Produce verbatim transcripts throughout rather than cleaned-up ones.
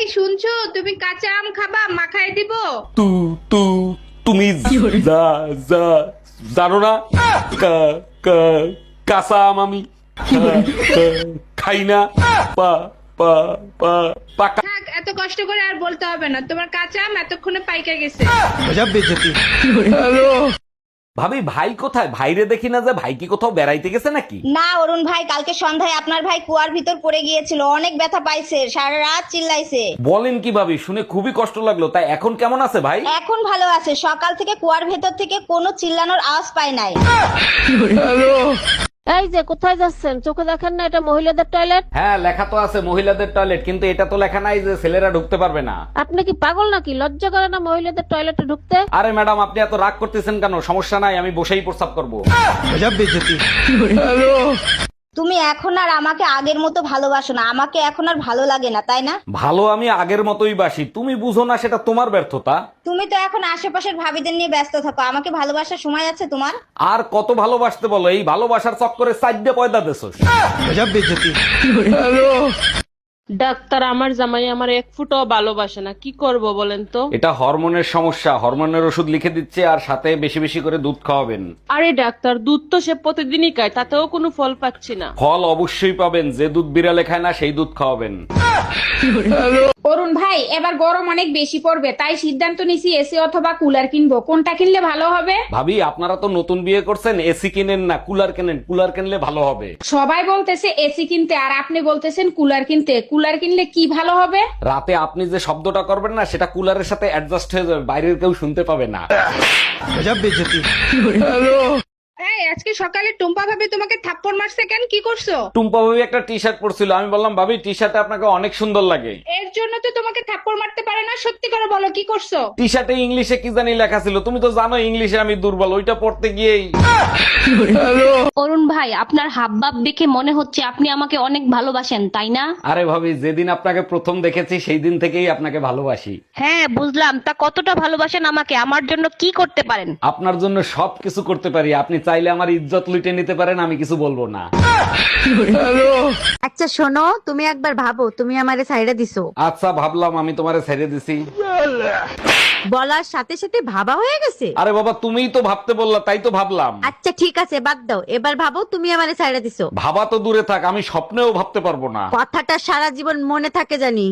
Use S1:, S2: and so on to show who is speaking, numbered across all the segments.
S1: এই শুনছো, তুমি কাঁচা আম খাবা? মাখায় দিব?
S2: তু তু তুমি যা যা জানো না কা- কা- কাঁচা আম আমি খা- খা- খাই না পা পা পা পাকা।
S1: থাক, এত কষ্ট করে আর বলতে হবে না, তোমার কাঁচা আম এতক্ষণে পাইকা গেছে।
S2: ভাবি ভাই কোথায়? ভাইরে দেখি না যে, ভাই কি কোথাও বেড়াইতে গেছে নাকি?
S3: না অরুণ ভাই, কালকে সন্ধ্যায় আপনার ভাই কুয়ার ভিতর পড়ে গিয়েছিল, অনেক ব্যথা পাইছে, সারা রাত চিল্লাইছে।
S2: বলেন কি ভাবি, শুনে খুবই কষ্ট লাগলো। তাই এখন কেমন আছে ভাই?
S3: এখন ভালো আছে, সকাল থেকে কুয়ার ভেতর থেকে কোনো চিল্লানোর আওয়াজ পায় নাই।
S4: এই যে কোথায় যাচ্ছেন? চোখে দেখেন না এটা মহিলাদের টয়লেট?
S2: হ্যাঁ, লেখা তো আছে মহিলাদের টয়লেট, কিন্তু এটা তো লেখা নাই যে ছেলেরা ঢুকতে পারবে না।
S4: আপনি কি পাগল নাকি? লজ্জা করে না মহিলাদের টয়লেটে ঢুকতে?
S2: আরে ম্যাডাম, আপনি এত রাগ করতেছেন কেন? সমস্যা নাই, আমি বসেই প্রস্রাব করবো।
S3: তুমি এখন আর আমাকে আগের মতো ভালোবাসো না, আমাকে এখন আর ভালো লাগে না, তাই না?
S2: ভালো আমি আগের মতোই বাসি, তুমি বুঝো না, সেটা তোমার ব্যর্থতা।
S3: তুমি তো এখন আশেপাশের ভাবিদের নিয়ে ব্যস্ত থাকো, আমাকে ভালোবাসার সময় আছে তোমার?
S2: আর কত ভালোবাসতে বলো? এই ভালোবাসার চক্করে সাইডে পয়দা দেছোস।
S5: ডাক্তার, আমার জামাই আমার এক ফুটও ভালোবাসে না, কি করব বলেন তো?
S2: এটা হরমোনের সমস্যা, হরমোনের ওষুধ লিখে দিচ্ছে, আর সাথে বেশি বেশি করে দুধ খাওয়াবেন।
S5: আরে ডাক্তার, দুধ তো সে প্রতিদিনই খায়, তাতেও কোনো ফল পাচ্ছি না।
S2: ফল অবশ্যই পাবেন, যে দুধ বিড়ালে খায় না সেই দুধ খাওয়াবেন।
S1: অরুণ ভাই, এবার গরম অনেক বেশি পড়বে, তাই সিদ্ধান্ত নিছি এসি অথবা কুলার কিনবো। কোনটা কিনলে ভালো হবে?
S2: ভাবি, আপনারা তো নতুন বিয়ে করছেন, এসি কিনেন না, কুলার কেনেন। কুলার কিনলে ভালো হবে।
S1: সবাই বলতেছে এসি কিনতে, আর আপনি বলতেছেন কুলার কিনতে। কুলার কিনলে কি ভালো হবে?
S2: রাতে আপনি যে শব্দটা করবেন না, সেটা কুলারের সাথে অ্যাডজাস্ট হয়ে যাবে, বাইরের কেউ শুনতে পাবে না।
S1: এই, আজকে সকালে টুম্পা ভাবি তোমাকে থাপ্পড় মারছে কেন? কি করছো?
S2: টুম্পা ভাবি একটা টি শার্ট পরছিল, আমি বললাম ভাবি টি শার্টে আপনাকে অনেক সুন্দর লাগে।
S1: এর জন্য তো তোমাকে থাপ্পড় মারতে পারে না। সত্যি করে বলো, কি করছো?
S2: টি শার্টে ইংলিশে কি জানি লেখা ছিল, তুমি তো জানো ইংলিশে আমি দুর্বল, ওইটা পড়তে গিয়েই।
S6: অরুণ ভাই, আপনার হাবভাব দেখে মনে হচ্ছে আপনি আমাকে অনেক ভালোবাসেন, তাই না?
S2: আরে ভাবি, যেদিন আপনাকে প্রথম দেখেছি সেই দিন থেকেই আপনাকে ভালোবাসি।
S6: হ্যাঁ বুঝলাম, তা কতটা ভালোবাসেন আমাকে? আমার জন্য কি করতে পারেন?
S2: আপনার জন্য সব কিছু করতে পারি, আপনি চাইলে আমার ইজ্জত লুটে নিতে পারেন, আমি কিছু বলবো না।
S3: আচ্ছা শোনো, তুমি একবার ভাবো তুমি আমারে ছাইড়া দিছো।
S2: আচ্ছা ভাবলাম, আমি তোমারে ছেড়ে দিছি।
S3: বলার সাথে সাথে ভাবা হয়ে গেছে।
S2: আরে বাবা, তুমিই তো ভাবতে বললা, তাই তো ভাবলাম।
S3: আচ্ছা ঠিক আছে, বাদ দাও, এবার ভাবো তুমি আমারে ছাইড়া দিছো।
S2: ভাবা তো দূরে থাক, আমি স্বপ্নেও ভাবতে পারবো না।
S3: কথাটা সারা জীবন মনে থাকে জানি।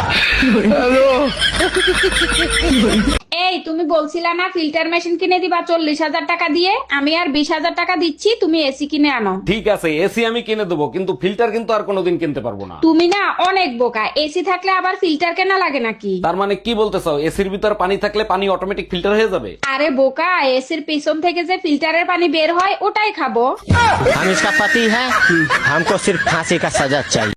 S1: এই, তুমি বলছিলা না ফিল্টার মেশিন কিনে দিবা চল্লিশ হাজার টাকা দিয়ে? আমি আর বিশ হাজার টাকা দিচ্ছি, তুমি এসি কিনে আনো।
S2: ঠিক আছে, এসি আমি কিনে দেবো, কিন্তু ফিল্টার কিন্তু আর কোনোদিন কিনতে পারবো না।
S1: তুমি না অনেক বোকা, এসি থাকলে আবার ফিল্টার কেনা লাগে নাকি?
S2: তার মানে কি বলতে চাও, এসির ভিতর পানি থাকলে পানি অটোমেটিক ফিল্টার হয়ে যাবে?
S1: আরে বোকা, এসির পিছন থেকে যে ফিল্টারের পানি বের হয় ওটাই খাবো।
S7: हम इसका पति है, हमको सिर्फ फांसी का सजा चाहिए।